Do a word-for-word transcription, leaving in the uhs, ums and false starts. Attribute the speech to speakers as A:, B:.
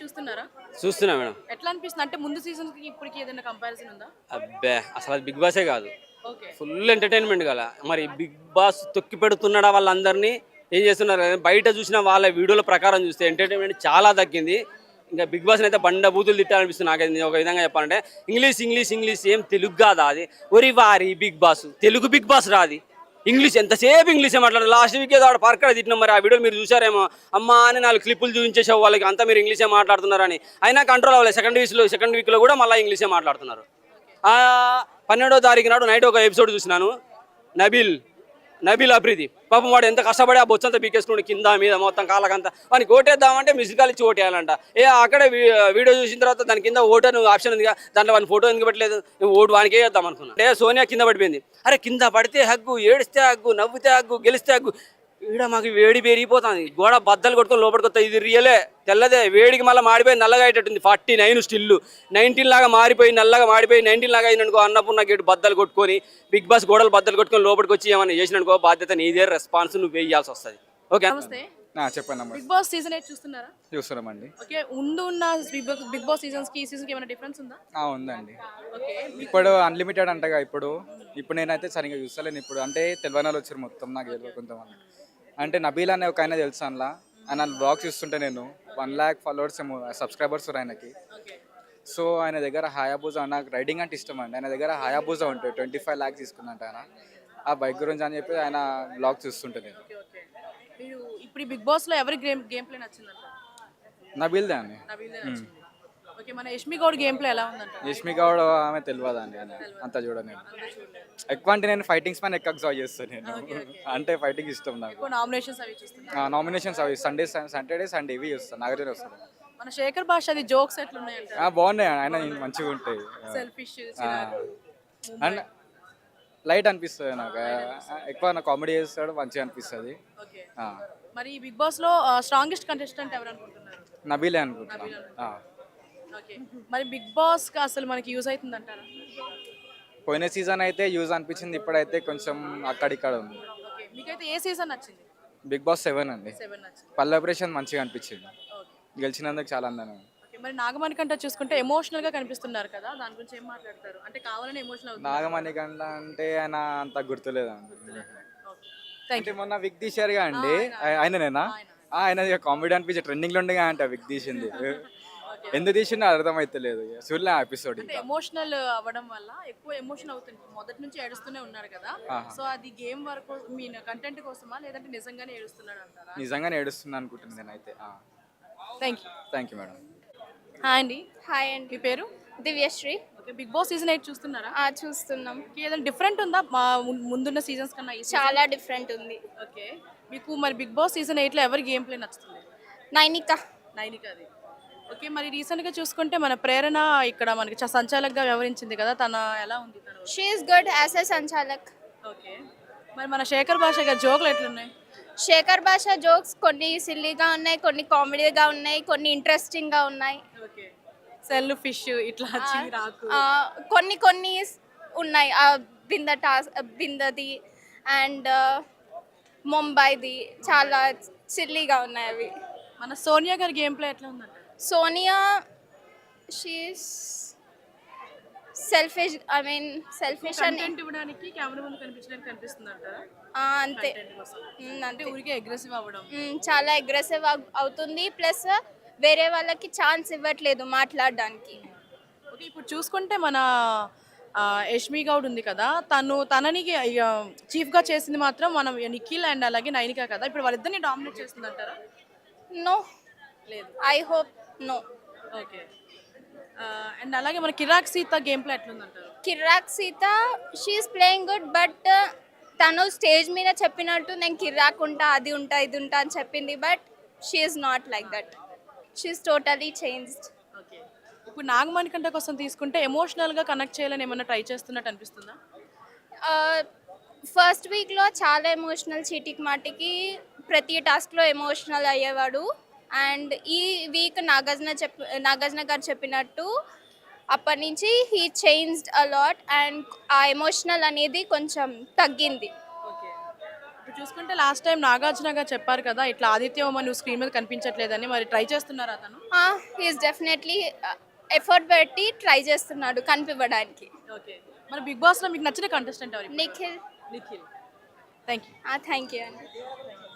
A: చూస్తున్నారా?
B: చూస్తున్నా మేడం.
A: ఎట్లా అనిపిస్తుంది? అంటే ముందు సీజన్‌కి ఇప్పటికి ఏదైనా కంపారిజన్ ఉందా?
B: అబ్బే అసలు అది బిగ్ బాసే కాదు.
A: ఓకే.
B: ఫుల్ ఎంటర్టైన్మెంట్ గల. మరి బిగ్ బాస్ తొక్కి పెడుతున్నాడా వాళ్ళందరినీ? ఏం చేస్తున్నారు? బయట చూసిన వాళ్ళ వీడియోల ప్రకారం చూస్తే ఎంటర్టైన్మెంట్ చాలా తగ్గింది. ఇంకా బిగ్ బాస్ని అయితే బండ బూతులు తిట్టాలనిపిస్తుంది నాకైతే. నేను ఒక విధంగా చెప్పాలంటే ఇంగ్లీష్ ఇంగ్లీష్ ఇంగ్లీష్ ఏం తెలుగు కాదా అది? ఒరి వారి Big Boss Telugu Big Boss రాది. ఇంగ్లీష్ ఎంతసేపు ఇంగ్లీషే మాట్లాడారు. లాస్ట్ వీక్ ఏదో ఆడ పరక్కడ తిట్టినాం. మరి ఆ వీడియోలు మీరు చూసారేమో. అమ్మా అని నాలుగు క్లిప్పులు చూపించేసావు వాళ్ళకి, అంతా మీరు ఇంగ్లీషే మాట్లాడుతున్నారని. అయినా కంట్రోల్ అవ్వలేదు. సెకండ్ వీక్లో సెకండ్ వీక్లో కూడా మళ్ళీ ఇంగ్లీషే మాట్లాడుతున్నారు. పన్నెండో తారీఖు నాడు నైట్ ఒక ఎపిసోడ్ చూసినాను. నబీల్ నబీల్ అఫ్రీది పాపం వాడు ఎంత కష్టపడి ఆ బొచ్చంతా పీకేసుకుని కింద మీద మొత్తం కాళ్ళకంతా వానికి ఓటేద్దామంటే మిస్ కాల్ ఇచ్చి ఓటేయాలంట. ఏ అక్కడే వీడియో చూసిన తర్వాత దాని కింద ఓటర్ ఆప్షన్ ఉంది, దాంట్లో వాని ఫోటో ఎందుకు పెట్టలేదు, నువ్వు ఓటు వానికే వేద్దాం అనుకున్నా. అంటే సోనియా కింద పడిపోయింది. అరే కింద పడితే హగ్గు, ఏడిస్తే హగ్గు, నవ్వుతే హగ్గు, గెలిస్తే హగ్గు. ఈడ మాకు వేడి పెరిగిపోతుంది. గోడ బద్దలు కొట్టుకొని లోపలికి వస్తాయి. ఇది రియలే తెల్లదే, వేడికి మళ్ళీ మాడిపోయి నల్లగా అయ్యేటట్టుంది. ఫార్టీ నైన్ స్టిల్ నైన్టీన్ లాగా మారిపోయి నల్లగా మాడిపోయి నైన్టీన్ లాగా అయిననుకో, అన్నపూర్ణ గేటు బద్దలు కొట్టుకొని బిగ్ బాస్ గోడలు బద్దలు కొట్టుకొని లోపలికి వచ్చి ఏమైనా చేసిననుకో బాధ్యత నీదే, రెస్పాన్స్ నువ్వు వేయాల్సి వస్తుంది. ఓకే
A: నమస్తే.
C: చెప్పండి.
A: బిగ్ బాస్ సీజన్ ఎయిట్ చూస్తున్నారా?
C: చూస్తున్నామండి.
A: ఓకే. ముందు ఉన్న బిగ్ బాస్ సీజన్స్ కి ఈ సీజన్ కి ఏమైనా డిఫరెన్స్ ఉందా?
C: ఉందండి.
A: ఓకే.
C: ఇప్పుడు అన్లిమిటెడ్ అంటగా. ఇప్పుడు ఇప్పుడు నేనైతే సరిగ్గా చూస్తలేను. ఇప్పుడు అంటే తెలియని వాళ్ళు వచ్చారు మొత్తం, నాకు తెలియదు కొంతమంది. అంటే నబీల్ అనే ఒక ఆయన తెలుసు. అందులో ఆయన బ్లాగ్ చూస్తుంటే నేను వన్ ల్యాక్ ఫాలోవర్స్ ఏమో సబ్స్క్రైబర్స్ ఆయనకి. సో ఆయన దగ్గర హయాబూజా, నాకు రైడింగ్ అంటే ఇష్టం అండి. ఆయన దగ్గర హయాబూజా ఉంటాయి, ట్వంటీ ఫైవ్ ల్యాక్స్ తీసుకున్నట్టు ఆయన. ఆ బైక్ గురించి అని చెప్పి ఆయన బ్లాగ్ చూస్తుంటే నేను.
A: మీరు ఇప్పుడు బిగ్ బాస్ లో ఎవరి గేమ్ గేమ్ ప్లే నచ్చిందంట?
C: నబీల్దే అండి.
A: ఓకే. మన యష్మి గౌడ్ గేమ్ ప్లే ఎలా ఉందంట?
C: యష్మి గౌడ్ ఆమె తెలియదు అండి, అంత చూడ నేను. ఎక్కువ అంటే నేను ఫైటింగ్స్ పైన ఎక్కువ జాయ్ చేస్తాను నేను. అంటే ఫైటింగ్ ఇష్టం నాకు.
A: నామినేషన్స్ అవి చూస్తున్నా.
C: నామినేషన్స్ అవి సండే సాటర్డే సండే ఇవి చూస్తాను. నాగార్జున వస్తాను.
A: మన శేఖర్ భాష అది జోక్స్ ఎట్లున్నాయంట?
C: బాగున్నాయి, ఆయన మంచిగా ఉంటాయి.
A: సెల్ఫిష్
C: అండ్ లైట్ అనిపిస్తుంది నాకు. ఎక్కువ నాకు కామెడీ చేస్తాడు, మంచిగా అనిపిస్తుంది.
A: మరి బిగ్ బాస్ లో స్ట్రాంగెస్ట్ కంటెస్టెంట్ ఎవరు అనుకుంటున్నారు?
C: నబీలే అనుకుంటున్నా.
A: ఓకే. మరి బిగ్ బాస్ కి అసలు మనకి యూజ్ అవుతుంది అంటారా?
C: పోయిన సీజన్ అయితే యూజ్ అనిపించింది, ఇప్పుడైతే కొంచెం అక్కడిక్కడ ఉంది.
A: ఓకే. మీకైతే ఏ సీజన్ నచ్చింది?
C: బిగ్ బాస్ సెవెన్ అండి.
A: సెవెన్ నచ్చింది.
C: పల్లె ఆపరేషన్ మంచిగా అనిపించింది, గెలిచినందుకు చాలా అందంగా.
A: మరి నాగమణికంట చూసుకుంటే ఎమోషనల్ గా కనిపిస్తున్నారు కదా, దాని గురించి ఏం మాట్లాడతారు? అంటే కావాలని ఎమోషనల్ అవుతుంది.
C: నాగమణికంట అంటే ఆయన అంత గుర్తులేదు అంటే మొన్న విగ్ తీశారుగా అండి, ఆయననేనా? ఆయన కామెడీ అనిపించి ట్రెండింగ్ లో ఉండగా అంటే విగ్ తీసింది. ఎందుకు తీసిందో అర్థమైతలేదు. చూడలే ఎపిసోడ్.
A: ఎమోషనల్ అవ్వడం వల్ల ఎక్కువ ఎమోషన్ అవుతుంది. మొదటి నుంచి ఏడుస్తూనే ఉన్నారు కదా, సో అది గేమ్ వరకు మీ కంటెంట్ కోసమా లేదంటే నిజంగానే ఏడుస్తున్నాడు అంటారా?
C: నిజంగానే ఏడుస్తున్నా అనుకుంటున్నాను నేనైతే.
A: Thank you.
C: Thank you madam.
A: Hi అండి.
D: హాయ్ అండి.
A: మీ పేరు?
D: Divyasri.
A: Okay. Bigg Boss season eight చూస్తున్నారా?
D: ఆ చూస్తున్నాం.
A: ఏదైనా డిఫరెంట్ ఉందా మా ముందున్న సీజన్స్ కన్నా?
D: చాలా డిఫరెంట్ ఉంది.
A: ఓకే. మీకు మరి బిగ్ బాస్ సీజన్ ఎయిట్ లో ఎవరి గేమ్ ప్లే నచ్చుతుంది?
D: నైనిక.
A: నైనికది. ఓకే. మరి రీసెంట్ గా చూసుకుంటే మన ప్రేరణ ఇక్కడ మనకి సంచాలకుగా వ్యవహరించింది కదా, తన ఎలా ఉంది?
D: She is good as a sanchalak.
A: Okay. మరి మన శేఖర్ భాష గారి జోకులు ఎట్లున్నాయి?
D: శేఖర్ భాష జోక్స్ కొన్ని సిల్లీగా ఉన్నాయి, కొన్ని కామెడీగా ఉన్నాయి, కొన్ని ఇంట్రెస్టింగ్ గా ఉన్నాయి.
A: ఓకే. సెల్ ఫిష్ ఇట్లా చిరాకు
D: కొన్ని కొన్ని ఉన్నాయి. బింద టాస్ బిందది అండ్ ముంబైది చాలా సిల్లీగా ఉన్నాయి అవి.
A: మన సోనియా గారి గేమ్ ప్లే ఎట్లా ఉందంట?
D: Sonia she's selfish, I mean selfish అని
A: ఇవ్వడానికి కెమెరా ముందు కనిపించడానికి కనిపిస్తుంది అంటారా?
D: అంతే.
A: అంటే ఊరికే అగ్రెసివ్ అవ్వడం,
D: చాలా అగ్రెసివ్ అవుతుంది. ప్లస్ వేరే వాళ్ళకి ఛాన్స్ ఇవ్వట్లేదు మాట్లాడడానికి.
A: ఓకే. ఇప్పుడు చూసుకుంటే మన యష్మి గౌడ్ ఉంది కదా, తను తనని చీఫ్గా చేసింది మాత్రం మనం నిఖిల్ అండ్ అలాగే నైనిక కదా. ఇప్పుడు వాళ్ళిద్దరిని డామినేట్ చేస్తుంది అంటారా?
D: నో
A: లేదు.
D: I hope no.
A: Okay. And అలాగే మన కిరాక్ సీత గేమ్ ప్లే ఎట్లుందంటారు?
D: Kirrak Seetha she is playing good, but తను స్టేజ్ మీద చెప్పినట్టు నేను కిరాక్ ఉంటా, అది ఉంటా, ఇది ఉంటా అని చెప్పింది. But she is not like that. She is totally changed.
A: Okay. ఇప్పుడు నాగమణికంట కోసం తీసుకుంటే ఎమోషనల్గా కనెక్ట్ చేయాలని ఏమన్నా ట్రై చేస్తున్నట్టు అనిపిస్తుందా?
D: ఫస్ట్ వీక్లో చాలా ఎమోషనల్, చీటికి మాటికి ప్రతి టాస్క్లో ఎమోషనల్ అయ్యేవాడు. అండ్ ఈ వీక్ నాగార్జున చెప్ నాగార్జున గారు చెప్పినట్టు అప్పటి నుంచి హీ చేంజ్డ్ అలాట్ అండ్ ఆ ఎమోషనల్ అనేది కొంచెం తగ్గింది.
A: ఓకే. ఇప్పుడు చూసుకుంటే లాస్ట్ టైం నాగార్జున గారు చెప్పారు కదా ఇట్లా ఆదిత్య ఓమ నువ్వు స్క్రీన్ మీద కనిపించట్లేదని, మరి ట్రై చేస్తున్నారా అతను?
D: హీఈస్ డెఫినెట్లీ ఎఫర్ట్ పెట్టి ట్రై చేస్తున్నాడు కనిపించడానికి.
A: ఓకే, మరి బిగ్ బాస్లో మీకు నచ్చిన కంటెస్టెంట్ ఎవరు?
D: Nikhil.
A: Nikhil. Thank you.
D: Thank you అండి.